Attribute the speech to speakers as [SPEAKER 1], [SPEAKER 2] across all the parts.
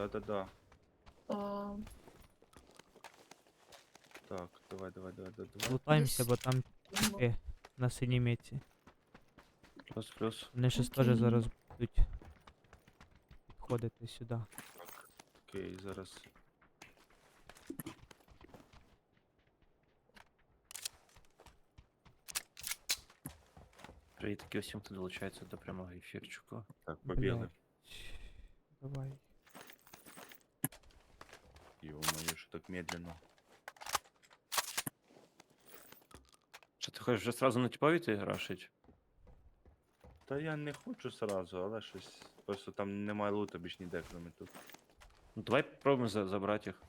[SPEAKER 1] Да-да-да.
[SPEAKER 2] А,
[SPEAKER 1] Так, давай.
[SPEAKER 3] Лутаємося,
[SPEAKER 2] Десь.
[SPEAKER 3] бо там типи на синій меці.
[SPEAKER 1] Плюс.
[SPEAKER 3] Вони щось
[SPEAKER 2] Окей.
[SPEAKER 3] теж зараз будуть підходити сюди.
[SPEAKER 1] Так, окей, зараз.
[SPEAKER 4] Привітки усім, хто долучається до прямого ефірчику.
[SPEAKER 1] Так, побігли.
[SPEAKER 3] Блядь. Давай.
[SPEAKER 1] Ё-моё, що так медленно.
[SPEAKER 4] Що ти хочеш вже сразу на типові ти рашить?
[SPEAKER 1] Та я не хочу сразу, але щось. Просто там немає лута більш ніде, кроме тут.
[SPEAKER 4] Ну давай попробуємо забрати їх.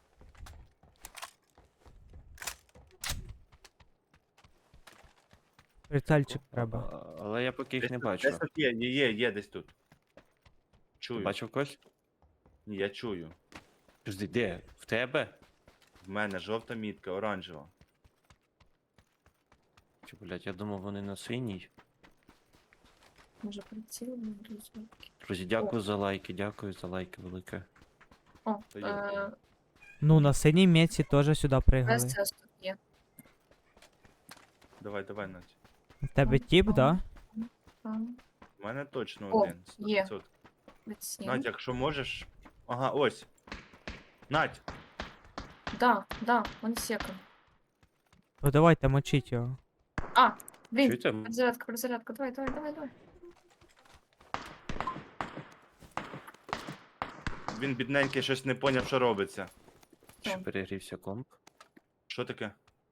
[SPEAKER 3] Прицельчик треба.
[SPEAKER 4] Але я поки їх не
[SPEAKER 1] Десь
[SPEAKER 4] бачу.
[SPEAKER 1] тут є десь тут.
[SPEAKER 4] Ти
[SPEAKER 1] Чую.
[SPEAKER 4] бачив когось?
[SPEAKER 1] Ні, я чую.
[SPEAKER 4] Подожди, де? В тебе?
[SPEAKER 1] В мене жовта мітка, оранжева.
[SPEAKER 4] Чи, блядь, я думав, вони на синій.
[SPEAKER 2] Може приціл, не друзі.
[SPEAKER 4] Друзі, дякую за лайки велике.
[SPEAKER 2] О,
[SPEAKER 1] Та є.
[SPEAKER 3] Ну, на синій меці теж сюди пригали.
[SPEAKER 2] СС тут є.
[SPEAKER 1] Давай, Надь.
[SPEAKER 3] В тебе тіп, да?
[SPEAKER 2] Там,
[SPEAKER 1] У мене точно
[SPEAKER 2] О,
[SPEAKER 1] один.
[SPEAKER 2] є.
[SPEAKER 1] 100%.
[SPEAKER 2] приціл.
[SPEAKER 1] Надь, якщо можеш. Ага, ось. Надь!
[SPEAKER 2] Да, он секом.
[SPEAKER 3] То давайте мочіть його.
[SPEAKER 2] А, блін,
[SPEAKER 4] Чуєте?
[SPEAKER 2] перезарядка, давай.
[SPEAKER 1] Він бідненький щось не поняв, що робиться.
[SPEAKER 4] Чи перегрівся комп?
[SPEAKER 1] Що таке?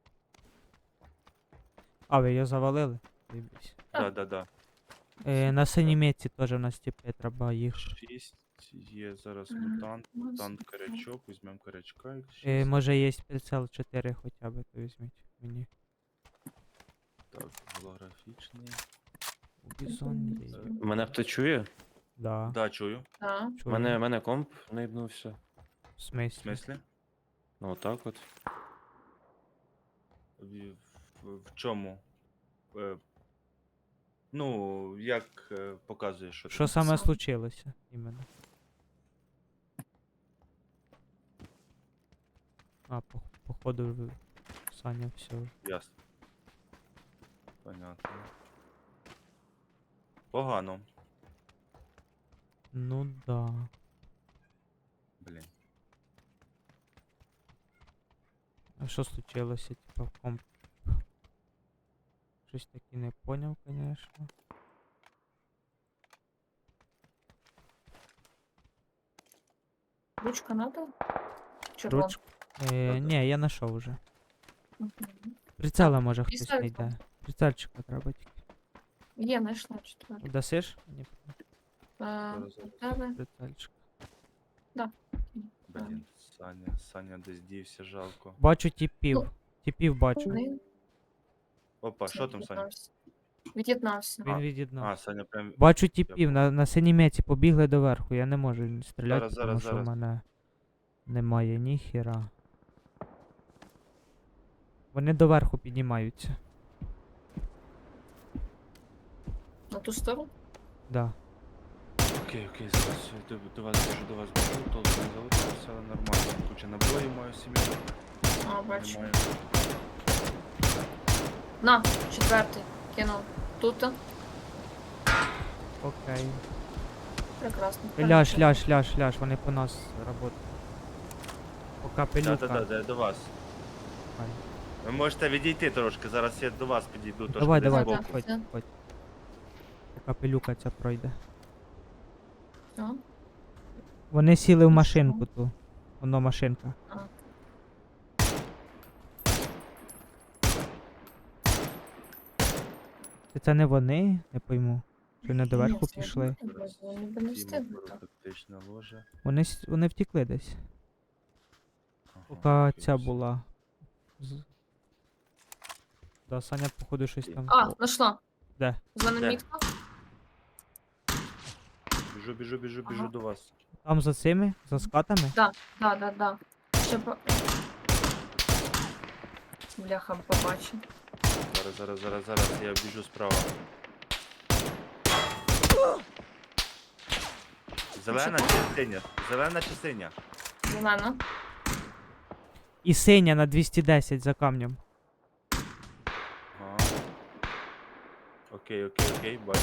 [SPEAKER 3] А, ви його завалили? Заєбісь.
[SPEAKER 2] А.
[SPEAKER 1] Да.
[SPEAKER 3] На синій меці теж у нас тіпи, треба їх.
[SPEAKER 1] 6 є зараз
[SPEAKER 2] Мгм.
[SPEAKER 1] мутант.
[SPEAKER 2] Ну,
[SPEAKER 1] Мутант корячок, візьмемо корячка. і шість.
[SPEAKER 3] Може є прицел 4 хоча б, то візьміть мені.
[SPEAKER 1] Так, голографічний.
[SPEAKER 3] Бізон є.
[SPEAKER 4] Мене хто чує?
[SPEAKER 3] Да.
[SPEAKER 1] Да, чую.
[SPEAKER 2] Да.
[SPEAKER 3] Чую.
[SPEAKER 4] Мене комп наїбнувся.
[SPEAKER 3] В
[SPEAKER 1] В
[SPEAKER 3] смислі?
[SPEAKER 1] смислі?
[SPEAKER 4] Ну отак от.
[SPEAKER 1] В чому? Ну, як показує, що
[SPEAKER 3] Що
[SPEAKER 1] там?
[SPEAKER 3] саме
[SPEAKER 2] Сам.
[SPEAKER 3] случилося іменно? А, походу Саня все.
[SPEAKER 1] Ясно. Понятно. Погано.
[SPEAKER 3] Ну да.
[SPEAKER 1] Блін.
[SPEAKER 3] А що случилося, типа, в комп? Щось таки не поняв, конечно.
[SPEAKER 2] Ручка надо? Червон.
[SPEAKER 3] Ручка? Ні, я знайшов уже.
[SPEAKER 2] Мгм.
[SPEAKER 3] Прицела може хтось
[SPEAKER 2] пістолет
[SPEAKER 3] знайде. Прицельчика треба тільки.
[SPEAKER 2] Є, знайшла четверту.
[SPEAKER 3] Дасиш? Ні,
[SPEAKER 1] Зараз.
[SPEAKER 2] У тебе?
[SPEAKER 3] прицельчик.
[SPEAKER 1] Блін, Саня десь дівся, жалко.
[SPEAKER 3] Бачу тіпів.
[SPEAKER 2] Ну,
[SPEAKER 3] Тіпів бачу.
[SPEAKER 2] Один.
[SPEAKER 1] Опа, що там, Саня?
[SPEAKER 2] Від'єднався.
[SPEAKER 3] Він
[SPEAKER 1] А,
[SPEAKER 3] від'єднав.
[SPEAKER 1] Саня прям.
[SPEAKER 3] Бачу тіпів, на синій меці побігли доверху. Я не можу стріляти,
[SPEAKER 1] Зараз,
[SPEAKER 3] тому що в
[SPEAKER 1] зараз.
[SPEAKER 3] мене немає ніхіра. Вони доверху піднімаються.
[SPEAKER 2] На ту сторону?
[SPEAKER 1] Окей,
[SPEAKER 3] Да.
[SPEAKER 1] зараз я до вас біжу, толку не залишився, але нормально. Куча набоїв маю сім'ю.
[SPEAKER 2] А, бачу.
[SPEAKER 1] Немає.
[SPEAKER 2] На, четвертий. Кинув. Тут.
[SPEAKER 3] Окей.
[SPEAKER 2] Прекрасно.
[SPEAKER 3] Ляж, вони по нас працюють. Пока пилюка.
[SPEAKER 1] Да, я до вас.
[SPEAKER 3] Ай.
[SPEAKER 1] Ви можете відійти трошки, зараз я до вас підійду трошки
[SPEAKER 3] Давай,
[SPEAKER 1] десь
[SPEAKER 3] давай,
[SPEAKER 1] збоку.
[SPEAKER 3] підходь. Пока пилюка ця пройде.
[SPEAKER 2] А?
[SPEAKER 3] Вони сіли в
[SPEAKER 2] Ну,
[SPEAKER 3] машинку ту. Воно машинка.
[SPEAKER 2] А.
[SPEAKER 3] Це не вони? Не пойму. Чи не доверху
[SPEAKER 2] Ні, це
[SPEAKER 3] пішли?
[SPEAKER 2] Вони б не встигли
[SPEAKER 1] Тіма,
[SPEAKER 2] так.
[SPEAKER 1] тактична ложа.
[SPEAKER 3] Вони втекли десь.
[SPEAKER 1] Ага,
[SPEAKER 3] Поки
[SPEAKER 1] окей,
[SPEAKER 3] ця
[SPEAKER 1] все.
[SPEAKER 3] була. Да, Саня, походу, щось там.
[SPEAKER 2] А, знайшла.
[SPEAKER 3] Де?
[SPEAKER 2] За нами
[SPEAKER 1] Де?
[SPEAKER 2] мітка.
[SPEAKER 1] Біжу
[SPEAKER 2] Ага.
[SPEAKER 1] до вас.
[SPEAKER 3] Там за цими? За скатами?
[SPEAKER 2] Да. Ще по... Бляха, побачив.
[SPEAKER 1] Зараз, я біжу справа.
[SPEAKER 4] Зелена
[SPEAKER 2] Що?
[SPEAKER 4] чи синя? Зелена чи синя?
[SPEAKER 2] Зелена.
[SPEAKER 3] І синя на 210 за камнем.
[SPEAKER 4] Ага. Окей, бачу.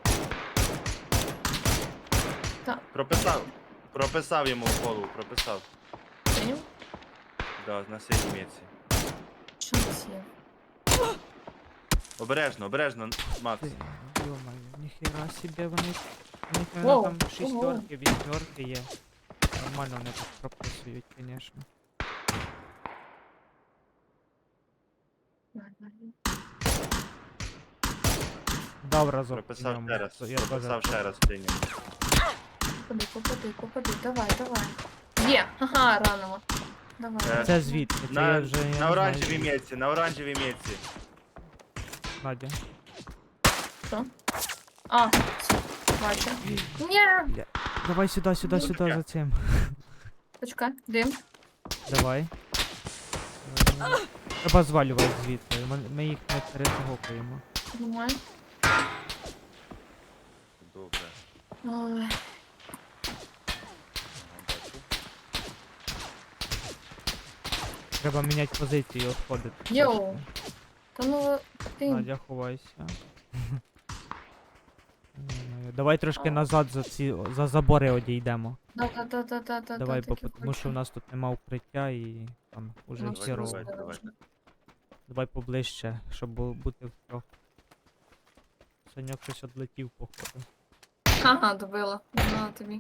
[SPEAKER 2] Так.
[SPEAKER 4] Прописав йому в голову, прописав.
[SPEAKER 2] Синю?
[SPEAKER 4] Да, на синій мітці.
[SPEAKER 2] Що це є?
[SPEAKER 4] Обережно, Макс.
[SPEAKER 3] Ти, Йо-моє, ніхера собі вони. У них
[SPEAKER 2] Воу,
[SPEAKER 3] там
[SPEAKER 2] ого.
[SPEAKER 3] шістерки, вісьмерки є. Нормально вони тут прописують, звісно. Дав разок.
[SPEAKER 4] Прописав
[SPEAKER 3] йому,
[SPEAKER 4] ще раз.
[SPEAKER 3] то я теж-
[SPEAKER 4] Прописав ще раз синю.
[SPEAKER 2] Попади. Давай. Є, ага, ранило. Давай.
[SPEAKER 3] Це звідки? Це я вже я не
[SPEAKER 4] На
[SPEAKER 3] знаю,
[SPEAKER 4] оранжевій
[SPEAKER 3] звідки.
[SPEAKER 4] мітці, на оранжевій мітці.
[SPEAKER 3] Надя.
[SPEAKER 2] Що? А, все, бачу. Ні!
[SPEAKER 3] Давай сюди,
[SPEAKER 4] Чекай.
[SPEAKER 3] за цим.
[SPEAKER 2] Почекай, дим.
[SPEAKER 3] Давай. Треба звалювати звідти. Ми їх не перетогокуємо.
[SPEAKER 2] Нормально.
[SPEAKER 4] Добре.
[SPEAKER 2] Ой,
[SPEAKER 4] Ага, бачу.
[SPEAKER 3] Треба міняти позицію і відходити.
[SPEAKER 2] Йоу.
[SPEAKER 3] трошки.
[SPEAKER 2] та ну ти.
[SPEAKER 3] Надя, ховайся. Давай трошки назад за забори одійдемо.
[SPEAKER 2] Да.
[SPEAKER 3] Давай,
[SPEAKER 2] таке
[SPEAKER 3] тому що в
[SPEAKER 2] хочу.
[SPEAKER 3] нас тут нема укриття і там уже
[SPEAKER 2] Ну,
[SPEAKER 3] херово.
[SPEAKER 4] давай.
[SPEAKER 3] Давай поближче, щоб бути втрьох. Саньок щось одлетів, походу.
[SPEAKER 2] Ага, добила. На тобі.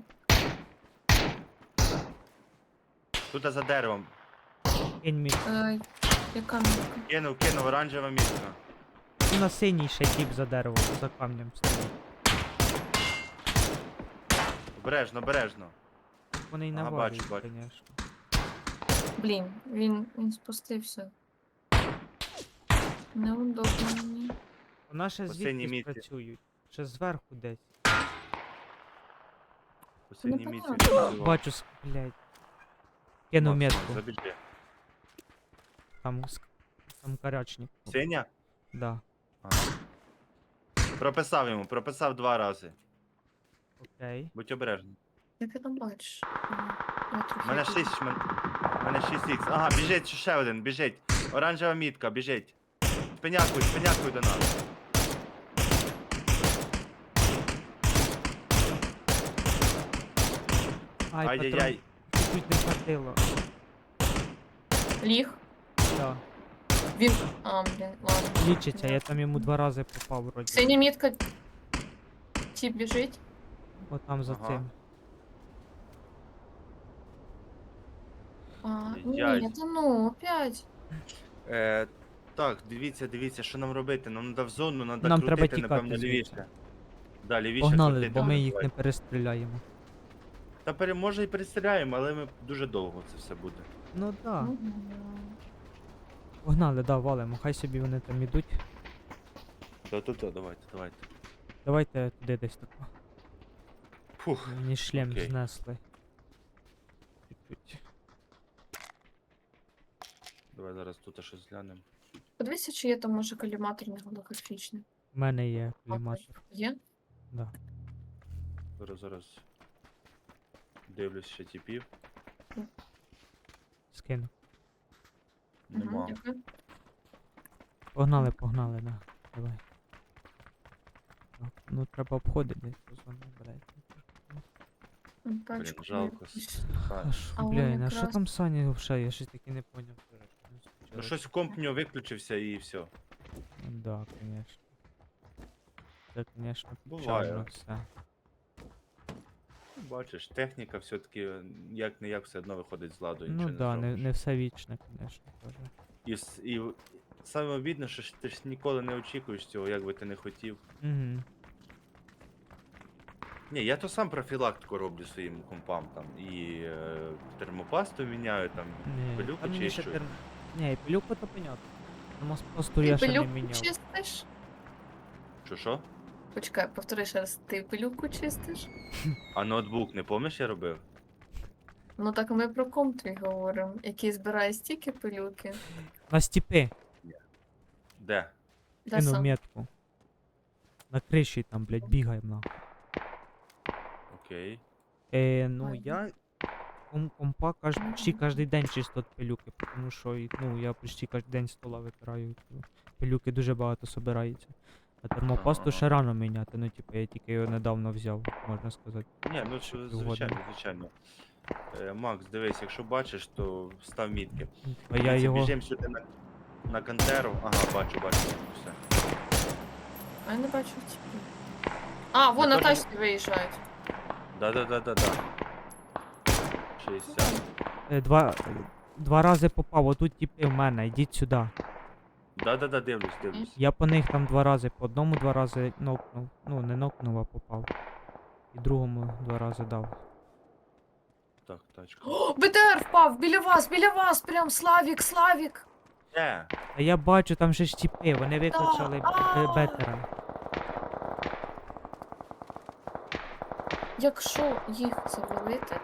[SPEAKER 4] Тут за деревом.
[SPEAKER 3] Кинь мій.
[SPEAKER 2] Яка мітка?
[SPEAKER 4] Кинув, оранжева мітка.
[SPEAKER 3] На синій ще тіп за деревом, за камнем стоїть.
[SPEAKER 4] Обережно.
[SPEAKER 3] Вони й
[SPEAKER 4] Ага,
[SPEAKER 3] навалюють,
[SPEAKER 4] бачу.
[SPEAKER 3] звісно.
[SPEAKER 2] Блін, він спустився. Неудобно мені.
[SPEAKER 3] Вона ще
[SPEAKER 4] По синій
[SPEAKER 3] звідки
[SPEAKER 4] мітці.
[SPEAKER 3] працюють. Ще зверху десь.
[SPEAKER 4] По синій
[SPEAKER 2] Ну,
[SPEAKER 4] мітці.
[SPEAKER 2] понятно.
[SPEAKER 4] працював.
[SPEAKER 3] Бачу, блядь. Кину
[SPEAKER 4] Макс,
[SPEAKER 3] метку.
[SPEAKER 4] забіжи.
[SPEAKER 3] Там карячник.
[SPEAKER 4] Синя?
[SPEAKER 3] Да.
[SPEAKER 4] Ага. Прописав 2 рази.
[SPEAKER 3] Окей.
[SPEAKER 4] Будь обережний.
[SPEAKER 2] Як ти там бачиш? Я трохи
[SPEAKER 4] У мене 6х. Ага, біжить ще один, біжить. Оранжева мітка, біжить. Шпинякуй до нас.
[SPEAKER 3] Ай,
[SPEAKER 4] Ай-яй-яй.
[SPEAKER 3] патрон. Чуть не хватило.
[SPEAKER 2] Ліг.
[SPEAKER 3] Да.
[SPEAKER 2] Він. А, блін, ладно.
[SPEAKER 3] Лічиться, я там йому 2 рази попав вроді.
[SPEAKER 2] Синя мітка. Тіп біжить.
[SPEAKER 3] От там за
[SPEAKER 4] Ага.
[SPEAKER 3] цим.
[SPEAKER 2] А,
[SPEAKER 4] Яй.
[SPEAKER 2] ні, та ну, опять.
[SPEAKER 4] Так, дивіться, що нам робити. Нам треба в зону, треба
[SPEAKER 3] Нам треба
[SPEAKER 4] крутити,
[SPEAKER 3] тікати
[SPEAKER 4] напевно,
[SPEAKER 3] звідси.
[SPEAKER 4] лівіше. Да, лівіше
[SPEAKER 3] Погнали,
[SPEAKER 4] крутити.
[SPEAKER 3] бо ми їх
[SPEAKER 4] давай.
[SPEAKER 3] не перестріляємо.
[SPEAKER 4] Та може і перестріляємо, але ми дуже довго це все буде.
[SPEAKER 3] Ну да.
[SPEAKER 2] Мгм.
[SPEAKER 3] Погнали, да, валимо. Хай собі вони там ідуть.
[SPEAKER 4] Давайте.
[SPEAKER 3] Давайте туди десь тако.
[SPEAKER 4] Фух.
[SPEAKER 3] Мені шлем
[SPEAKER 4] Окей.
[SPEAKER 3] знесли. Чуть-чуть.
[SPEAKER 4] Давай зараз тут щось глянемо.
[SPEAKER 2] Подивися, чи є там може коліматор не голографічний.
[SPEAKER 3] У мене є кліматор.
[SPEAKER 2] Є?
[SPEAKER 3] Да.
[SPEAKER 4] Зараз дивлюсь ще типів.
[SPEAKER 3] Скину.
[SPEAKER 4] Нема.
[SPEAKER 2] Дякую.
[SPEAKER 3] Погнали, да. Давай. Так, ну треба обходити десь по зоні, блядь.
[SPEAKER 2] Тачку
[SPEAKER 4] жалко.
[SPEAKER 2] якусь.
[SPEAKER 3] А що,
[SPEAKER 2] А
[SPEAKER 3] бля,
[SPEAKER 2] воно
[SPEAKER 3] на що
[SPEAKER 2] якраз-
[SPEAKER 3] там Саня взагалі? Я щось таки не поняв.
[SPEAKER 4] Ну щось комп у нього виключився і все.
[SPEAKER 3] Да, конечно. Це, конечно,
[SPEAKER 4] Буває.
[SPEAKER 3] печально все.
[SPEAKER 4] Бачиш, техніка все-таки як не як все одно виходить з ладу.
[SPEAKER 3] Ну
[SPEAKER 4] нічого
[SPEAKER 3] да, не
[SPEAKER 4] зробиш.
[SPEAKER 3] все вічне, конечно, теж.
[SPEAKER 4] І саме обідно, що ж ти ж ніколи не очікуєш цього, як би ти не хотів.
[SPEAKER 3] Угу.
[SPEAKER 4] Ні, я то сам профілактику роблю своїм компам там. І термопасту міняю там, пилюку чищу.
[SPEAKER 3] Ні, пилюку то понятно. Термопасту
[SPEAKER 2] Ти
[SPEAKER 3] я ще не
[SPEAKER 2] пилюку
[SPEAKER 3] міняв.
[SPEAKER 2] чистиш?
[SPEAKER 4] Що?
[SPEAKER 2] Почекай, повтори ще раз. Ти пилюку чистиш?
[SPEAKER 4] А ноутбук не помниш, я робив?
[SPEAKER 2] Ну так ми про комп твій говоримо, який збирає стільки пилюки.
[SPEAKER 3] На стіпи
[SPEAKER 4] Де?
[SPEAKER 2] Де
[SPEAKER 3] кинув
[SPEAKER 2] сам?
[SPEAKER 3] метку. На криші там, блядь, бігаємо нахуй.
[SPEAKER 4] Окей.
[SPEAKER 3] Ну
[SPEAKER 2] Ой,
[SPEAKER 3] я компа почти кожен день чисто від пилюки, тому що ну, я почти кожен день з стола витираю. Пилюки дуже багато собирається. А термопасту
[SPEAKER 4] Ага.
[SPEAKER 3] ще рано міняти, ну типу я тільки його недавно взяв, можна сказати.
[SPEAKER 4] Ні, ну
[SPEAKER 3] Ще
[SPEAKER 4] що,
[SPEAKER 3] півгода.
[SPEAKER 4] звичайно, звичайно. Макс, дивись, якщо бачиш, то став мітки.
[SPEAKER 3] А я
[SPEAKER 4] Дивіться,
[SPEAKER 3] його.
[SPEAKER 4] Біжимо сюди на кантеру. Ага, бачу, все.
[SPEAKER 2] А я не бачу типу. А, вон
[SPEAKER 4] Я
[SPEAKER 2] на
[SPEAKER 4] теж-
[SPEAKER 2] тачці виїжджають.
[SPEAKER 4] Да. 60.
[SPEAKER 3] Два рази попав, отут типи в мене, йдіть сюди.
[SPEAKER 4] Да, дивлюсь.
[SPEAKER 3] Я по них там 2 рази, по одному 2 рази нокнув. Ну, не нокнув, а попав. І другому 2 рази дав.
[SPEAKER 4] Так, тачка.
[SPEAKER 2] О, БТР впав! Біля вас! Прям Славік!
[SPEAKER 3] А я бачу, там ще ж тіпи, вони викликали бетера.
[SPEAKER 2] Якщо їх завалити,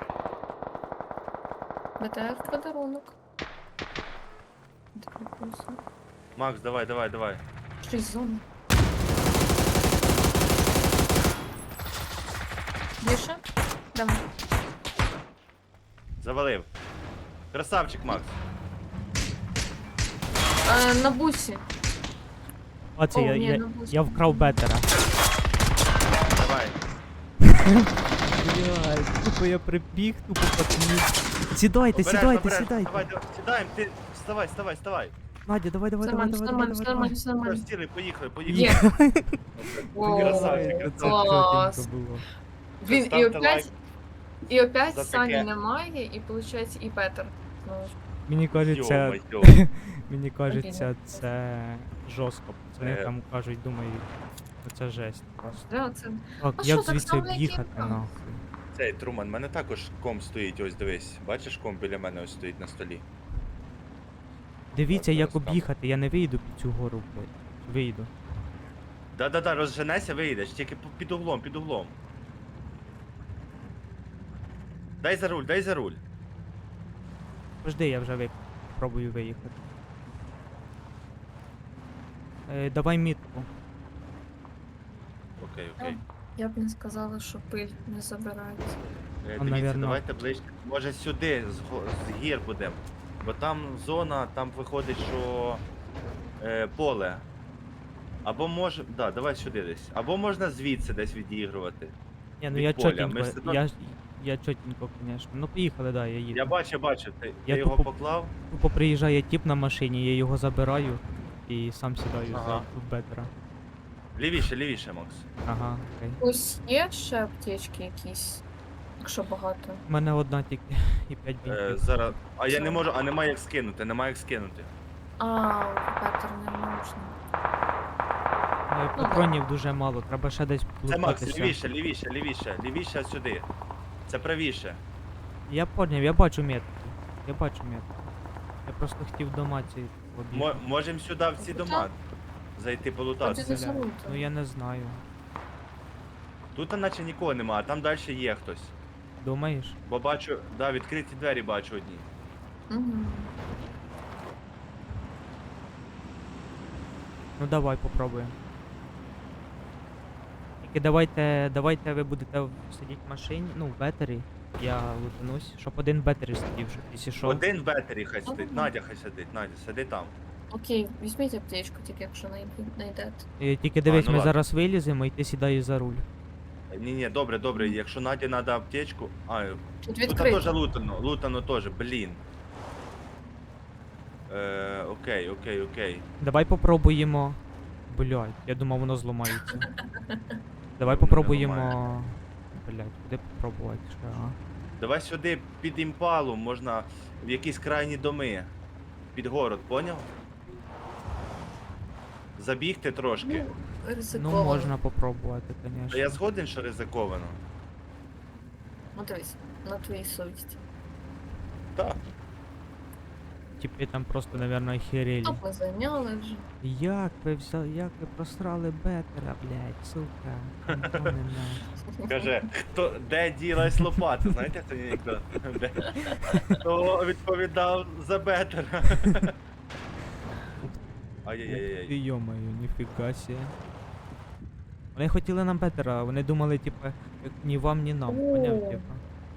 [SPEAKER 2] БТР в подарунок. Так, плюси.
[SPEAKER 4] Макс, давай.
[SPEAKER 2] Щось зона. Більше? Давай.
[SPEAKER 4] Завалив. Красавчик, Макс.
[SPEAKER 2] На бусі.
[SPEAKER 3] Оце
[SPEAKER 2] О,
[SPEAKER 3] я,
[SPEAKER 2] ні,
[SPEAKER 3] я,
[SPEAKER 2] на бусі.
[SPEAKER 3] я вкрав бетера.
[SPEAKER 4] Давай.
[SPEAKER 3] Блядь, тупо я прибіг, тупо пацанів. Сідайте.
[SPEAKER 4] Давай, сідаємо, ти вставай.
[SPEAKER 3] Надя, давай.
[SPEAKER 2] Все нормально.
[SPEAKER 4] Все, сіли, поїхали.
[SPEAKER 2] Є. О,
[SPEAKER 4] Красавчик,
[SPEAKER 3] Це
[SPEAKER 2] клас.
[SPEAKER 3] чотенько було.
[SPEAKER 2] Він
[SPEAKER 4] Ставте лайк
[SPEAKER 2] і опять
[SPEAKER 4] за
[SPEAKER 2] Сані
[SPEAKER 4] таке.
[SPEAKER 2] немає, і виходить і Петер. Знову ж.
[SPEAKER 3] Мені кажеться,
[SPEAKER 4] Йо-моє.
[SPEAKER 3] мені кажеться, це жорстко. Пацани
[SPEAKER 4] Е.
[SPEAKER 3] там кажуть, думають, це жесть просто.
[SPEAKER 2] Да, це...
[SPEAKER 3] Так,
[SPEAKER 2] А
[SPEAKER 3] як
[SPEAKER 2] що, так
[SPEAKER 3] звідси
[SPEAKER 2] само, як і
[SPEAKER 3] об'їхати
[SPEAKER 2] там?
[SPEAKER 3] нахуй?
[SPEAKER 4] Цей, Труман, в мене також ком стоїть, ось дивись. Бачиш, ком біля мене ось стоїть на столі.
[SPEAKER 3] Дивіться,
[SPEAKER 4] Так,
[SPEAKER 3] як
[SPEAKER 4] зараз там.
[SPEAKER 3] об'їхати, я не вийду під цю гору, блядь. Вийду.
[SPEAKER 4] Да, розженеся, виїдеш, тільки під углом. Дай за руль.
[SPEAKER 3] Пожди, я вже пробую виїхати. Давай мітку.
[SPEAKER 4] Окей.
[SPEAKER 2] Я б не сказала, що пиль не забирається.
[SPEAKER 4] Дивіться,
[SPEAKER 3] навірно.
[SPEAKER 4] давайте ближче. Може сюди, з гір будемо. Бо там зона, там виходить, що поле. Або може. Да, давай сюди десь. Або можна звідси десь відігрувати.
[SPEAKER 3] Ні, ну
[SPEAKER 4] Від
[SPEAKER 3] я
[SPEAKER 4] поля, ми
[SPEAKER 3] чотенько,
[SPEAKER 4] все одно-
[SPEAKER 3] я чотенько, звісно. Ну поїхали, да, я їду.
[SPEAKER 4] Я бачу,
[SPEAKER 3] Я
[SPEAKER 4] ти його
[SPEAKER 3] тупо-
[SPEAKER 4] поклав.
[SPEAKER 3] Тупо приїжджає тіп на машині, я його забираю і сам сідаю
[SPEAKER 4] Ага.
[SPEAKER 3] за бетера.
[SPEAKER 4] Лівіше, Макс.
[SPEAKER 3] Ага, окей.
[SPEAKER 2] Ось є ще аптечки якісь, якщо багато.
[SPEAKER 3] У мене одна тільки і 5 бінтів.
[SPEAKER 4] Зараз. А я не можу, немає як скинути,
[SPEAKER 2] А, Петер не можна. ну,
[SPEAKER 3] Патронів дуже мало, треба ще десь
[SPEAKER 4] Це Макс,
[SPEAKER 3] лутатися.
[SPEAKER 4] лівіше сюди. Це правіше.
[SPEAKER 3] Я поняв, я бачу метку. Я просто хотів дома ці об'їхати.
[SPEAKER 4] Можемо сюди в ці дома зайти
[SPEAKER 2] Тоді
[SPEAKER 4] полутатися.
[SPEAKER 2] не залуто.
[SPEAKER 3] Ну я не знаю.
[SPEAKER 4] Тут наче нікого нема, а там далі є хтось.
[SPEAKER 3] Думаєш?
[SPEAKER 4] Бо бачу, да, відкриті двері бачу одні.
[SPEAKER 2] Угу.
[SPEAKER 3] Ну давай попробуємо. Тільки давайте ви будете сидіти в машині, ну в бетері. Я лутанусь, щоб один бетері сидів, щоб якщо що.
[SPEAKER 4] Один в бетері хай сидить,
[SPEAKER 2] Ага.
[SPEAKER 4] Надя хай сидить, Надя, сиди там.
[SPEAKER 2] Окей, візьміть аптечку, тільки якщо знайдете.
[SPEAKER 3] Тільки дивись,
[SPEAKER 4] ну
[SPEAKER 3] ми
[SPEAKER 4] ладно.
[SPEAKER 3] зараз виліземо і ти сідаєш за руль.
[SPEAKER 4] Ні, добре, якщо Наді треба аптечку.
[SPEAKER 2] Тут
[SPEAKER 4] Тут теж
[SPEAKER 2] відкрито.
[SPEAKER 4] лутано теж, блін. Окей.
[SPEAKER 3] Давай попробуємо. Блядь, я думав воно зламається. Давай
[SPEAKER 4] не
[SPEAKER 3] попробуємо. Блядь, куди попробувати ще, а?
[SPEAKER 4] Давай сюди під імпалу можна в якісь крайні доми. Під город, поняв? Забігти трошки.
[SPEAKER 3] Ну
[SPEAKER 2] Ризиковано.
[SPEAKER 3] можна попробувати,
[SPEAKER 4] Та
[SPEAKER 3] звісно.
[SPEAKER 4] я згоден, що ризиковано.
[SPEAKER 2] Ну дивись, на твоїй совісті.
[SPEAKER 4] Так.
[SPEAKER 3] Типи там просто, наверное, охерели.
[SPEAKER 2] Топ ми зайняли вже.
[SPEAKER 3] Як ви просрали бетера, блядь, сука. Антони, нахуй.
[SPEAKER 4] Каже, де ділась лопата? Знаєте, хто анекдот? Хто відповідав за бетера? Ай-яй-яй.
[SPEAKER 3] Ти йомаю, ніфіга сі. Вони хотіли нам бетера, вони думали, типа, як ні вам, ні нам. Поняв,
[SPEAKER 2] О.
[SPEAKER 3] типа.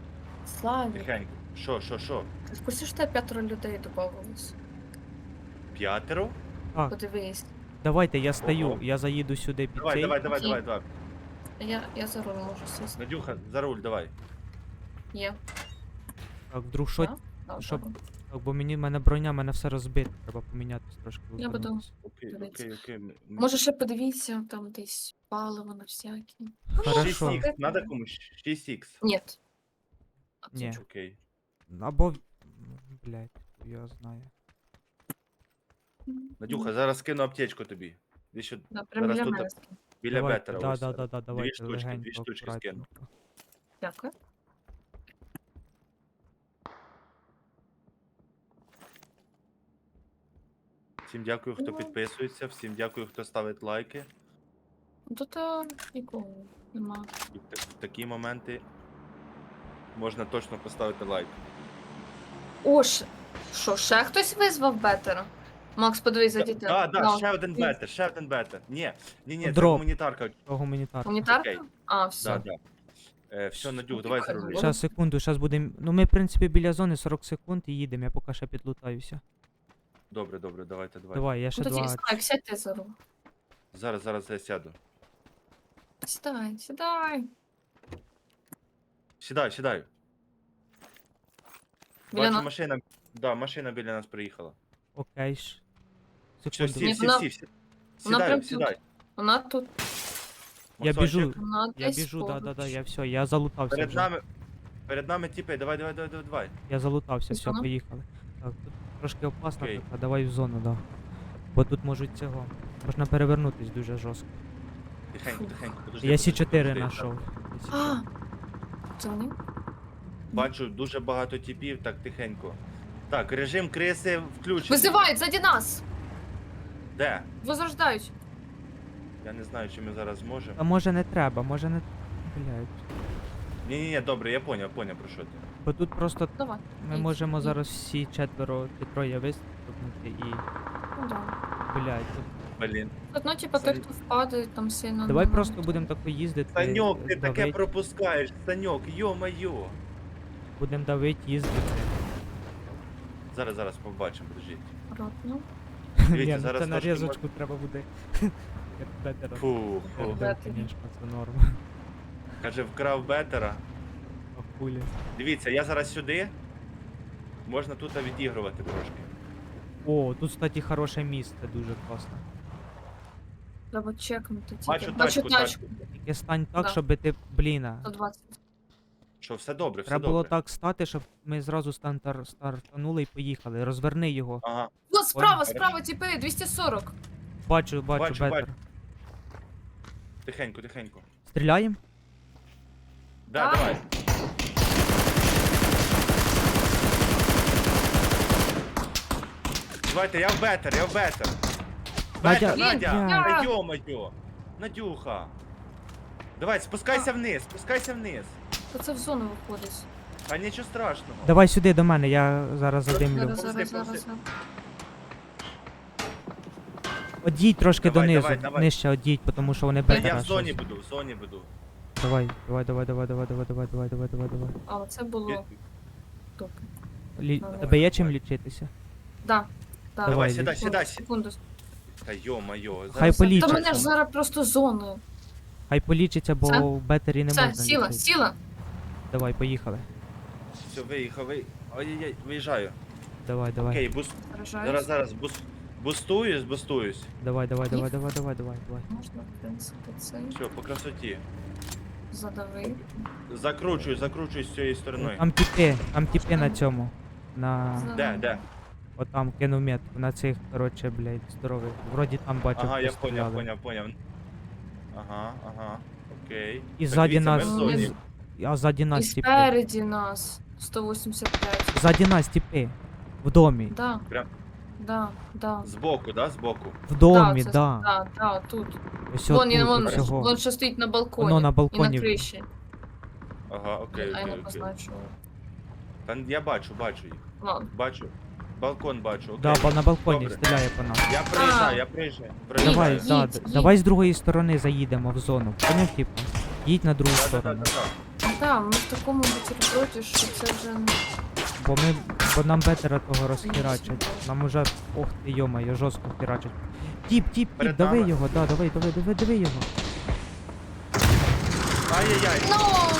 [SPEAKER 2] Славік,
[SPEAKER 4] Тихенько. Що?
[SPEAKER 2] ти в курсі, що тебе 5 людей додавалось?
[SPEAKER 4] 5?
[SPEAKER 3] Так,
[SPEAKER 2] Подивись.
[SPEAKER 3] давайте, я стою,
[SPEAKER 4] Ого.
[SPEAKER 3] я заїду сюди під
[SPEAKER 4] Давай,
[SPEAKER 3] цей.
[SPEAKER 4] давай.
[SPEAKER 2] Я за руль можу сісти.
[SPEAKER 4] Надюха, за руль, давай.
[SPEAKER 2] Є.
[SPEAKER 3] Так, вдруг що.
[SPEAKER 2] Да? Да,
[SPEAKER 3] Щоб-
[SPEAKER 2] добре.
[SPEAKER 3] Так, бо мене броня, мене все розбите, треба помінятись трошки.
[SPEAKER 2] Я буду-
[SPEAKER 3] розвернутись.
[SPEAKER 4] Окей.
[SPEAKER 2] Може ще подивіться, там десь паливо на всякі.
[SPEAKER 3] 6
[SPEAKER 4] 6х, надо комусь? 6х.
[SPEAKER 2] Ні.
[SPEAKER 3] Ні.
[SPEAKER 4] Окей.
[SPEAKER 3] Або. Блять, я знаю.
[SPEAKER 4] Надюха, зараз скину аптечку тобі. Ти що
[SPEAKER 2] Да, прям
[SPEAKER 4] зараз
[SPEAKER 2] біля
[SPEAKER 4] тут
[SPEAKER 2] мене скинь.
[SPEAKER 4] біля
[SPEAKER 3] Давайте,
[SPEAKER 4] бетера.
[SPEAKER 3] да,
[SPEAKER 4] ось.
[SPEAKER 3] да, давайте,
[SPEAKER 4] штучки,
[SPEAKER 3] легенько,
[SPEAKER 4] дві штучки скину.
[SPEAKER 3] акуратненько.
[SPEAKER 2] Дякую.
[SPEAKER 4] Всім дякую, хто підписується, всім дякую, хто ставить лайки.
[SPEAKER 2] Тут нікого нема.
[SPEAKER 4] І в такі моменти можна точно поставити лайк.
[SPEAKER 2] О, що, ще хтось визвав бетера? Макс, подивись за дітей.
[SPEAKER 4] Да, ще один бетер. Ні, це
[SPEAKER 3] Дроп.
[SPEAKER 4] гуманітарка.
[SPEAKER 3] То гуманітарка.
[SPEAKER 2] Гуманітарка?
[SPEAKER 4] Окей.
[SPEAKER 2] А, все.
[SPEAKER 4] Да. Все, Надюх, давай за руль.
[SPEAKER 3] Щас, секунду, щас будемо. Ну ми, в принципі, біля зони 40 секунд і їдемо, я поки ще підлутаюся.
[SPEAKER 4] Добре, давайте.
[SPEAKER 3] Давай, я ще
[SPEAKER 2] Ну, тоді,
[SPEAKER 3] два.
[SPEAKER 2] Слайк, сядьте за руль.
[SPEAKER 4] Зараз я сяду.
[SPEAKER 2] Сідай.
[SPEAKER 4] Сідай.
[SPEAKER 2] Біля
[SPEAKER 4] Бачу,
[SPEAKER 2] нас.
[SPEAKER 4] машина. Да, машина біля нас приїхала.
[SPEAKER 3] Окей ж.
[SPEAKER 4] Все,
[SPEAKER 3] Секунду.
[SPEAKER 2] Ні, вона- вона прям
[SPEAKER 4] Сідай.
[SPEAKER 2] Вона тут.
[SPEAKER 3] Я
[SPEAKER 4] Максончик,
[SPEAKER 3] біжу,
[SPEAKER 2] Вона
[SPEAKER 3] я
[SPEAKER 2] десь
[SPEAKER 3] біжу, да,
[SPEAKER 2] поруч.
[SPEAKER 3] я все, я залутався
[SPEAKER 4] Перед
[SPEAKER 3] вже.
[SPEAKER 4] нами тіпи, давай.
[SPEAKER 3] Я залутався,
[SPEAKER 2] Десь
[SPEAKER 3] все,
[SPEAKER 2] вона?
[SPEAKER 3] поїхали. Так, тут трошки опасно,
[SPEAKER 4] Окей.
[SPEAKER 3] така, давай в зону, да. Бо тут можуть цього. Можна перевернутись дуже жорстко.
[SPEAKER 4] Тихенько, подожди.
[SPEAKER 3] Я
[SPEAKER 4] подожди,
[SPEAKER 3] С4
[SPEAKER 4] подожди.
[SPEAKER 3] знайшов.
[SPEAKER 2] А! Це вони?
[SPEAKER 4] Бачу дуже багато тіпів, так тихенько. Так, режим криси включений.
[SPEAKER 2] Визивають ззаді нас!
[SPEAKER 4] Де?
[SPEAKER 2] Возрождають.
[SPEAKER 4] Я не знаю, чи ми зараз зможемо.
[SPEAKER 3] А може не треба, може не. Блять.
[SPEAKER 4] Ні, добре, я поняв, про що ти.
[SPEAKER 3] Бо тут просто
[SPEAKER 2] Давай.
[SPEAKER 3] ми
[SPEAKER 2] Ідь,
[SPEAKER 3] можемо
[SPEAKER 2] ідь.
[SPEAKER 3] зараз всі четверо чи троє вистрибнути і.
[SPEAKER 2] Ну, да.
[SPEAKER 3] Блять. Тут...
[SPEAKER 4] Блін.
[SPEAKER 2] Ну, типа, той,
[SPEAKER 4] Саня-
[SPEAKER 2] хто впаде, там сильно.
[SPEAKER 3] Давай
[SPEAKER 2] не
[SPEAKER 3] просто
[SPEAKER 2] можуть.
[SPEAKER 3] будемо тако їздити.
[SPEAKER 4] Саньок, ти таке
[SPEAKER 3] давить.
[SPEAKER 4] пропускаєш, Саньок, йо-майо.
[SPEAKER 3] Будемо давити, їздити.
[SPEAKER 4] Зараз побачимо, подождіть.
[SPEAKER 2] Акуратно.
[SPEAKER 4] Дивіться,
[SPEAKER 3] Ні, ну
[SPEAKER 4] зараз
[SPEAKER 3] це на
[SPEAKER 4] трошки
[SPEAKER 3] різочку треба буде. Як бетера.
[SPEAKER 4] Фу.
[SPEAKER 2] Бетер.
[SPEAKER 3] Звісно, це норм.
[SPEAKER 4] Каже, вкрав бетера.
[SPEAKER 3] А хулі.
[SPEAKER 4] Дивіться, я зараз сюди. Можна тут відігрувати трошки.
[SPEAKER 3] О, тут, кстати, хороше місце, дуже класно.
[SPEAKER 2] Треба чекнути. тільки.
[SPEAKER 4] Бачу тачку.
[SPEAKER 3] Тільки стань так,
[SPEAKER 2] Да.
[SPEAKER 3] щоб ти, бліна.
[SPEAKER 2] 120.
[SPEAKER 4] Що, все добре, все
[SPEAKER 3] Треба було
[SPEAKER 4] добре.
[SPEAKER 3] так стати, щоб ми зразу стартанули і поїхали. Розверни його.
[SPEAKER 4] Ага.
[SPEAKER 2] Вот, справа,
[SPEAKER 4] Хорошо.
[SPEAKER 2] справа, типи, 240.
[SPEAKER 3] Бачу,
[SPEAKER 4] Бачу,
[SPEAKER 3] бетер.
[SPEAKER 4] Тихенько.
[SPEAKER 3] Стріляємо?
[SPEAKER 4] Да,
[SPEAKER 2] Так.
[SPEAKER 4] давай. Давайте, я в бетер.
[SPEAKER 3] Надя,
[SPEAKER 4] Бетер, Надя,
[SPEAKER 3] Надя.
[SPEAKER 4] та йо-моє. Надюха. Давай, спускайся вниз.
[SPEAKER 2] Та це в зону виходить.
[SPEAKER 4] Та нічого страшного.
[SPEAKER 3] Давай сюди до мене, я зараз задимлю.
[SPEAKER 2] Зараз,
[SPEAKER 4] Повзи,
[SPEAKER 2] зараз,
[SPEAKER 4] повзи.
[SPEAKER 2] зараз.
[SPEAKER 3] Одійдь трошки
[SPEAKER 4] Давай,
[SPEAKER 3] донизу,
[SPEAKER 4] давай.
[SPEAKER 3] нижче одійдь, тому що вони
[SPEAKER 4] Я
[SPEAKER 3] бетера.
[SPEAKER 4] в зоні
[SPEAKER 3] щось.
[SPEAKER 4] буду.
[SPEAKER 3] Давай.
[SPEAKER 2] А, це було топ. Давай.
[SPEAKER 3] Тебе є чим лічитися?
[SPEAKER 2] Да. Да.
[SPEAKER 3] Давай,
[SPEAKER 4] сідай.
[SPEAKER 2] Секунду.
[SPEAKER 4] Та йо-моє.
[SPEAKER 3] Хай
[SPEAKER 2] Та
[SPEAKER 3] полічиться.
[SPEAKER 2] мене ж зараз просто зоною.
[SPEAKER 3] Хай полічиться, бо
[SPEAKER 2] Все?
[SPEAKER 3] в бетері не
[SPEAKER 2] Все,
[SPEAKER 3] можна
[SPEAKER 2] сіла,
[SPEAKER 3] лічити.
[SPEAKER 2] сіла.
[SPEAKER 3] Давай, поїхали.
[SPEAKER 4] Все, виїхав. Ой-ой-ой, виїжджаю.
[SPEAKER 3] Давай.
[SPEAKER 4] Окей,
[SPEAKER 2] Заражаюсь.
[SPEAKER 4] зараз. Бустуюсь.
[SPEAKER 3] Давай.
[SPEAKER 2] Можна, в принципі, це
[SPEAKER 4] Все, по красоті.
[SPEAKER 2] задавив.
[SPEAKER 4] Закручуй з цієї сторони.
[SPEAKER 3] Там тіпи на цьому. На.
[SPEAKER 4] Де?
[SPEAKER 3] Отам кинув метку, на цих, короче, блядь, здорових. Вроді там бачив.
[SPEAKER 4] Ага, я
[SPEAKER 3] постріляли.
[SPEAKER 4] поняв. Ага. Окей.
[SPEAKER 3] І
[SPEAKER 4] Так,
[SPEAKER 3] ззаді
[SPEAKER 4] дивіться, ми
[SPEAKER 3] нас.
[SPEAKER 4] в зоні.
[SPEAKER 3] А ззаді
[SPEAKER 2] І
[SPEAKER 3] нас тіпи.
[SPEAKER 2] спереді нас. 185.
[SPEAKER 3] Ззаді нас тіпи. В домі.
[SPEAKER 2] Да.
[SPEAKER 4] Прям?
[SPEAKER 2] Да.
[SPEAKER 4] Збоку, да? Збоку.
[SPEAKER 3] В домі,
[SPEAKER 2] це-
[SPEAKER 3] да.
[SPEAKER 2] Да, тут.
[SPEAKER 3] Ось
[SPEAKER 2] Вон,
[SPEAKER 3] тут всього.
[SPEAKER 2] вон ще стоїть на балконі.
[SPEAKER 3] Воно на
[SPEAKER 2] І
[SPEAKER 3] балконі.
[SPEAKER 2] на криші.
[SPEAKER 4] Ага, окей.
[SPEAKER 2] А я не позначила.
[SPEAKER 4] Та я бачу їх.
[SPEAKER 2] Ладно.
[SPEAKER 4] Бачу. Балкон бачу, окей.
[SPEAKER 3] Да, бо на балконі
[SPEAKER 4] Добре.
[SPEAKER 3] стріляє по нас.
[SPEAKER 4] Я приїжджаю.
[SPEAKER 3] Давай,
[SPEAKER 2] Їдь,
[SPEAKER 3] да,
[SPEAKER 2] їдь.
[SPEAKER 3] давай з другої сторони заїдемо в зону. Поняв, типу? Їдь на другу сторону.
[SPEAKER 4] Да.
[SPEAKER 2] Так, ми в такому бутерброді, що це вже...
[SPEAKER 3] Бо нам бетера того розхерачать. Нам уже, ох ти йома, жорстко херачать. Тіп,
[SPEAKER 4] Перед
[SPEAKER 3] дави
[SPEAKER 4] нами.
[SPEAKER 3] його, да, дави його.
[SPEAKER 4] Ай-яй-яй.
[SPEAKER 2] Ну!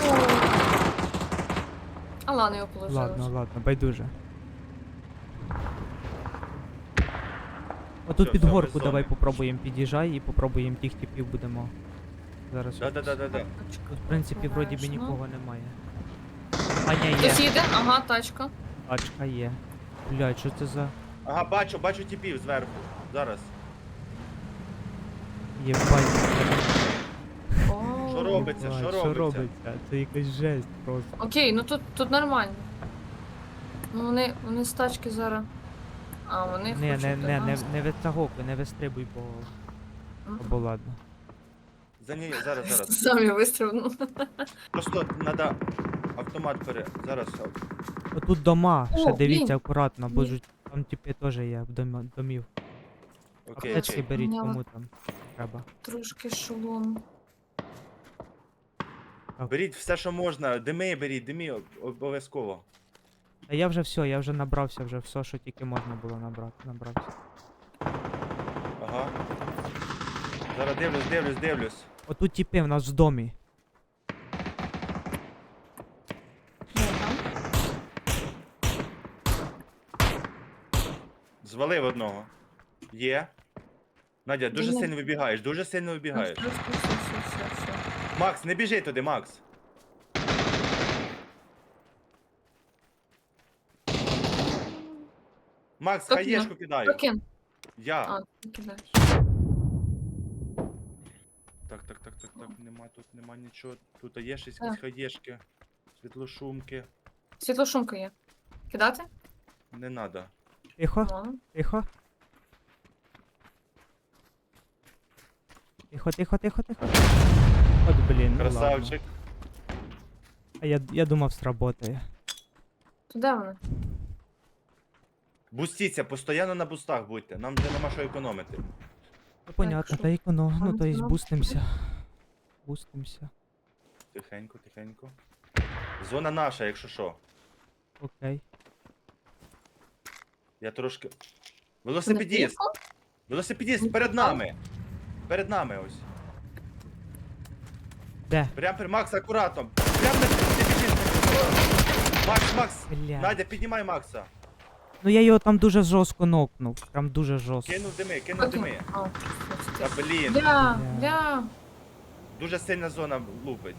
[SPEAKER 2] А ладно, його положили.
[SPEAKER 3] Ладно, байдуже. Отут
[SPEAKER 4] Всё,
[SPEAKER 3] під
[SPEAKER 4] всё,
[SPEAKER 3] горку
[SPEAKER 4] без
[SPEAKER 3] давай
[SPEAKER 4] зони.
[SPEAKER 3] попробуємо під'їжджай і попробуємо тих типів будемо. Зараз.
[SPEAKER 4] Да-да-да-да-да.
[SPEAKER 3] Тут, в принципі, вроді би
[SPEAKER 2] Обережно.
[SPEAKER 3] нікого немає. А ні, є.
[SPEAKER 2] Хтось їде? Ага, тачка.
[SPEAKER 3] Тачка є. Блядь, що це за...
[SPEAKER 4] Ага, бачу типів зверху. Зараз.
[SPEAKER 3] Єбать.
[SPEAKER 2] О.
[SPEAKER 4] Що робиться?
[SPEAKER 3] Ой,
[SPEAKER 4] Що робиться?
[SPEAKER 3] Це якась жесть просто.
[SPEAKER 2] Окей, ну тут нормально. Ну вони з тачки зараз. А, вони
[SPEAKER 3] Не,
[SPEAKER 2] хочуть до
[SPEAKER 3] не
[SPEAKER 2] нас.
[SPEAKER 3] витягуй, не вистрибуй, бо ладно.
[SPEAKER 4] За нею, зараз.
[SPEAKER 2] Самі вистрибнув.
[SPEAKER 4] Просто треба автомат Зараз.
[SPEAKER 3] Отут дома,
[SPEAKER 2] О,
[SPEAKER 3] ще дивіться
[SPEAKER 2] блін.
[SPEAKER 3] акуратно, бо
[SPEAKER 2] Ні.
[SPEAKER 3] ж там типи теж є домів.
[SPEAKER 4] Окей,
[SPEAKER 3] Аптечки
[SPEAKER 4] окей.
[SPEAKER 3] беріть,
[SPEAKER 2] Поняла.
[SPEAKER 3] кому там треба.
[SPEAKER 2] Трошки шолом.
[SPEAKER 4] Беріть все, що можна. Беріть, дими обов'язково.
[SPEAKER 3] А я вже все, я вже набрався вже все, що тільки можна було набрався.
[SPEAKER 4] Ага. Зараз дивлюсь.
[SPEAKER 3] Отут типи в нас в домі.
[SPEAKER 2] Ага.
[SPEAKER 4] Звалив одного. Є. Надя, дуже
[SPEAKER 2] Ні.
[SPEAKER 4] сильно вибігаєш,
[SPEAKER 2] Все.
[SPEAKER 4] Макс, не біжи туди, Макс. Макс,
[SPEAKER 2] Хто
[SPEAKER 4] хаєшку кидаю.
[SPEAKER 2] Прокин.
[SPEAKER 4] Я.
[SPEAKER 2] А, ти кидаєш.
[SPEAKER 4] Так, нема нічого. Тут є щось,
[SPEAKER 2] Так.
[SPEAKER 4] якісь хаєшки, світлошумки.
[SPEAKER 2] Світлошумка є. Кидати?
[SPEAKER 4] Не надо.
[SPEAKER 3] Тихо,
[SPEAKER 2] Ладно.
[SPEAKER 3] тихо. Тихо. От блін, ну ладно.
[SPEAKER 4] Красавчик.
[SPEAKER 3] А я думав, сработає.
[SPEAKER 2] То де вони?
[SPEAKER 4] Бустіться, постійно на бустах будьте. Нам вже нема що економити.
[SPEAKER 3] Ну понятно,
[SPEAKER 2] що?
[SPEAKER 3] та іконо, ну то есть
[SPEAKER 2] Антенна.
[SPEAKER 3] бустимся.
[SPEAKER 4] Тихенько. Зона наша, якщо що.
[SPEAKER 3] Окей.
[SPEAKER 4] Я трошки.
[SPEAKER 2] Це не
[SPEAKER 4] Велосипедіст!
[SPEAKER 2] плівка?
[SPEAKER 4] Велосипедіст перед нами! Перед нами ось.
[SPEAKER 3] Де?
[SPEAKER 4] Прям при Макс, акуратно. Прям на ти біжиш. Макс!
[SPEAKER 3] Бля.
[SPEAKER 4] Надя, піднімай Макса.
[SPEAKER 3] Ну я його там дуже жорстко нокнув. Прям дуже жорстко.
[SPEAKER 4] Кинув дими.
[SPEAKER 2] Окей. А,
[SPEAKER 4] Та блін,
[SPEAKER 2] Бля.
[SPEAKER 4] дуже сильна зона лупить.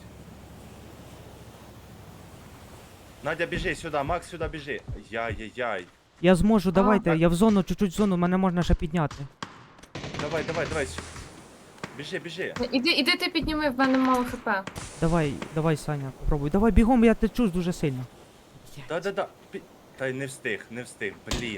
[SPEAKER 4] Надя, біжи сюди, Макс сюди біжи. Яй-яй-яй.
[SPEAKER 3] Я зможу, давайте,
[SPEAKER 4] так.
[SPEAKER 3] я в зону, чуть-чуть в зону, мене можна ще підняти.
[SPEAKER 4] Давай. Біжи.
[SPEAKER 2] Іди ти підніми, в мене мало хп.
[SPEAKER 3] Давай, Саня, попробуй. Давай, бігом, я течу дуже сильно.
[SPEAKER 4] Да. Та й не встиг, блін.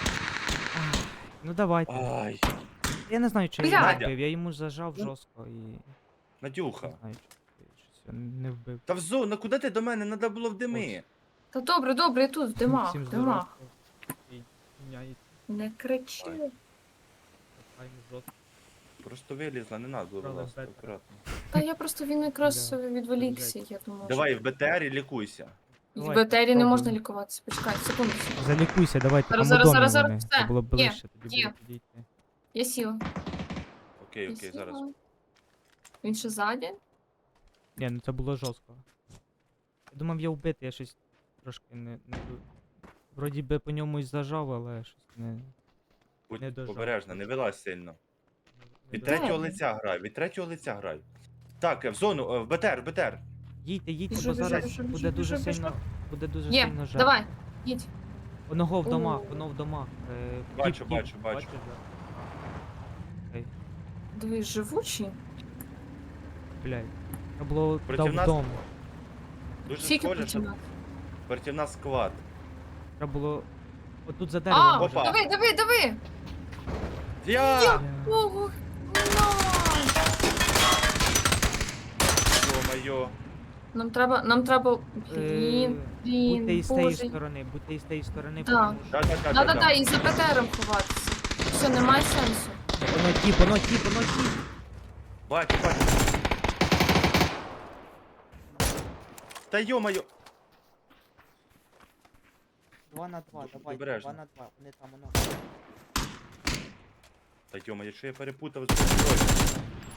[SPEAKER 3] Ну давайте.
[SPEAKER 4] Ай,
[SPEAKER 3] Я не знаю, чи я
[SPEAKER 2] Бля.
[SPEAKER 3] його
[SPEAKER 4] Надя.
[SPEAKER 3] вбив, я йому зажав жорстко і...
[SPEAKER 4] Надюха.
[SPEAKER 3] Не знаю, чи щось я не вбив.
[SPEAKER 4] Та в зону, куди ти до мене? Надо було в дими.
[SPEAKER 2] Та добре, я тут, в димах,
[SPEAKER 3] Всім
[SPEAKER 2] в димах.
[SPEAKER 3] здоров'я. І міняється,
[SPEAKER 2] Не кричи.
[SPEAKER 3] файно, жорстко.
[SPEAKER 4] Просто вилізла, не надо було
[SPEAKER 3] Правда,
[SPEAKER 4] вилазити,
[SPEAKER 3] бета.
[SPEAKER 4] акуратно.
[SPEAKER 2] Та я просто він якраз
[SPEAKER 3] Бля.
[SPEAKER 2] відволікся, я думав.
[SPEAKER 4] Давай в БТРі лікуйся.
[SPEAKER 2] В
[SPEAKER 3] Давай,
[SPEAKER 2] БТРі не
[SPEAKER 3] попробуємо.
[SPEAKER 2] можна лікуватися. Почекай, секунду.
[SPEAKER 3] Залікуйся, давайте,
[SPEAKER 2] Зараз,
[SPEAKER 3] там у домі
[SPEAKER 2] зараз,
[SPEAKER 3] вони.
[SPEAKER 2] все.
[SPEAKER 3] Це було б
[SPEAKER 2] Є,
[SPEAKER 3] ближче, тоді
[SPEAKER 2] є.
[SPEAKER 3] було підійти.
[SPEAKER 2] Я сіла.
[SPEAKER 4] Окей,
[SPEAKER 2] Я
[SPEAKER 4] зараз.
[SPEAKER 2] сіла. Він ще ззаді?
[SPEAKER 3] Ні, ну це було жорстко. Я думав, я вбити, я щось трошки не... Вроді би по ньому і зажав, але щось не... Не
[SPEAKER 4] Будь
[SPEAKER 3] дожав.
[SPEAKER 4] обережна, не вилазь сильно.
[SPEAKER 3] не
[SPEAKER 4] Від
[SPEAKER 3] дожав.
[SPEAKER 4] третього лиця грай. Так, в зону, в БТР.
[SPEAKER 3] Їдьте,
[SPEAKER 2] Біжу,
[SPEAKER 3] бо
[SPEAKER 2] біжу,
[SPEAKER 3] зараз
[SPEAKER 2] біжу,
[SPEAKER 3] буде
[SPEAKER 2] біжу,
[SPEAKER 3] дуже
[SPEAKER 2] біжу,
[SPEAKER 3] сильно... Буде дуже
[SPEAKER 2] Є,
[SPEAKER 3] сильно жар.
[SPEAKER 2] давай, їдь.
[SPEAKER 3] Воно в домах,
[SPEAKER 2] О.
[SPEAKER 3] воно в домах.
[SPEAKER 4] Бачу,
[SPEAKER 3] Тіп,
[SPEAKER 4] бачу.
[SPEAKER 3] бачиш, да? Окей,
[SPEAKER 2] Дивись, живучий.
[SPEAKER 3] блядь. Треба було
[SPEAKER 4] Проти
[SPEAKER 3] дав
[SPEAKER 4] нас
[SPEAKER 3] дом.
[SPEAKER 4] Дуже
[SPEAKER 2] Скільки
[SPEAKER 4] схоже, що
[SPEAKER 2] починати?
[SPEAKER 4] проти нас склад.
[SPEAKER 3] Треба було... Отут за деревом
[SPEAKER 2] А,
[SPEAKER 3] може.
[SPEAKER 4] Опа.
[SPEAKER 2] диви!
[SPEAKER 4] Я!
[SPEAKER 3] Бля.
[SPEAKER 2] Ого, на!
[SPEAKER 4] Ё-моё.
[SPEAKER 2] Нам треба...
[SPEAKER 3] Е,
[SPEAKER 2] Блін,
[SPEAKER 3] Будьте із тієї
[SPEAKER 2] боже.
[SPEAKER 3] сторони, будьте із тієї сторони,
[SPEAKER 2] Так.
[SPEAKER 3] тому що...
[SPEAKER 2] Да-да-да, і за ПТРом ховатися. Все, немає сенсу.
[SPEAKER 3] Воно тіп.
[SPEAKER 4] Бачу. Та йо-моє!
[SPEAKER 3] 2 на 2, давай,
[SPEAKER 4] Обережно.
[SPEAKER 3] 2 на 2, вони там, воно.
[SPEAKER 4] Та йо-моє, що я перепутав з зброєю?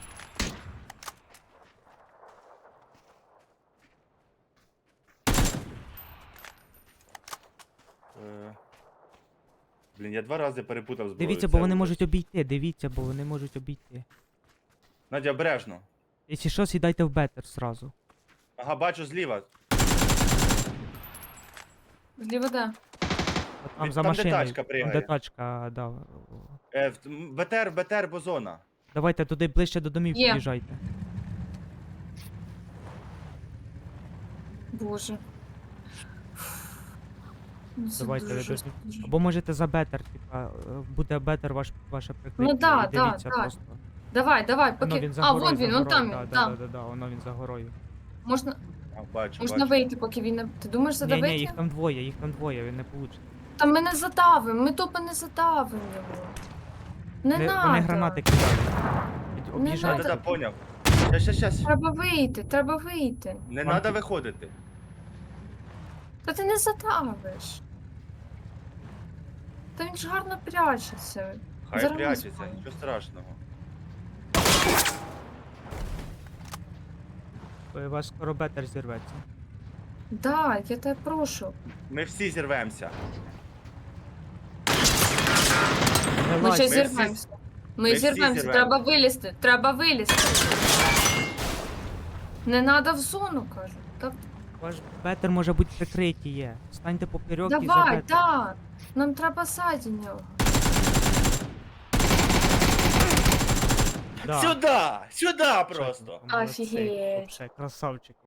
[SPEAKER 4] Блін, я 2 рази перепутав зброю.
[SPEAKER 3] Дивіться,
[SPEAKER 4] це
[SPEAKER 3] бо вони
[SPEAKER 4] ужас.
[SPEAKER 3] можуть обійти, дивіться, бо вони можуть обійти.
[SPEAKER 4] Надя, обережно.
[SPEAKER 3] Якщо що, сідайте в бетер зразу.
[SPEAKER 4] Ага, бачу зліва.
[SPEAKER 2] Зліва де?
[SPEAKER 3] От там за
[SPEAKER 4] Там, де
[SPEAKER 3] машиною.
[SPEAKER 4] тачка
[SPEAKER 3] Там,
[SPEAKER 4] пригає.
[SPEAKER 3] де тачка, да.
[SPEAKER 4] БТР, бо зона.
[SPEAKER 3] Давайте туди ближче до домів
[SPEAKER 2] Є.
[SPEAKER 3] під'їжджайте.
[SPEAKER 2] Боже. Ну, це
[SPEAKER 3] Давайте,
[SPEAKER 2] дуже
[SPEAKER 3] ви
[SPEAKER 2] жорстко, дуже.
[SPEAKER 3] Або можете за бетер, типа, буде бетер ваше прикриття.
[SPEAKER 2] да,
[SPEAKER 3] і дивіться
[SPEAKER 2] да.
[SPEAKER 3] просто.
[SPEAKER 2] Давай,
[SPEAKER 3] Воно
[SPEAKER 2] поки.
[SPEAKER 3] він за
[SPEAKER 2] А,
[SPEAKER 3] горою,
[SPEAKER 2] вон він,
[SPEAKER 3] за
[SPEAKER 2] вон там
[SPEAKER 3] горою,
[SPEAKER 2] він,
[SPEAKER 3] да,
[SPEAKER 2] там.
[SPEAKER 3] да, воно він за горою.
[SPEAKER 2] Можна,
[SPEAKER 4] А, бачу,
[SPEAKER 2] можна
[SPEAKER 4] бачу.
[SPEAKER 2] вийти, поки він не. Ти думаєш задавити?
[SPEAKER 3] Ні, їх там двоє, він не получить.
[SPEAKER 2] Та ми не задавимо, ми тупо не задавимо його. Не надо.
[SPEAKER 3] Вони гранати кидають. Об'їжджайте.
[SPEAKER 2] надо.
[SPEAKER 4] Да, поняв. Щас.
[SPEAKER 2] Треба вийти, треба вийти.
[SPEAKER 4] Не
[SPEAKER 3] Вам
[SPEAKER 4] треба
[SPEAKER 3] тут-
[SPEAKER 4] виходити.
[SPEAKER 2] Та ти не задавиш. Та він ж гарно прячеться.
[SPEAKER 4] Хай
[SPEAKER 2] Зараз
[SPEAKER 4] прячеться,
[SPEAKER 2] визвали.
[SPEAKER 4] нічого страшного.
[SPEAKER 3] У вас скоро бетер зірветься.
[SPEAKER 2] Да, я тебе прошу.
[SPEAKER 4] Ми всі зірвемося.
[SPEAKER 3] Не
[SPEAKER 2] Ми
[SPEAKER 3] лазь,
[SPEAKER 2] ще
[SPEAKER 4] всі-
[SPEAKER 2] зірвемося.
[SPEAKER 4] ми
[SPEAKER 2] Ми
[SPEAKER 4] всі
[SPEAKER 2] зірвемося,
[SPEAKER 4] зірвемося.
[SPEAKER 2] треба вилізти. Не треба в зону, кажу. Так,
[SPEAKER 3] ваш бетер може бути прикритий є. Станьте поперек і за
[SPEAKER 2] давай,
[SPEAKER 3] бетер.
[SPEAKER 2] да. Нам треба ззаді нього.
[SPEAKER 3] Да.
[SPEAKER 4] Сюди! Сюди
[SPEAKER 3] Молодці,
[SPEAKER 4] просто!
[SPEAKER 3] молодці.
[SPEAKER 2] Офігеть.
[SPEAKER 3] Вообще, красавчик.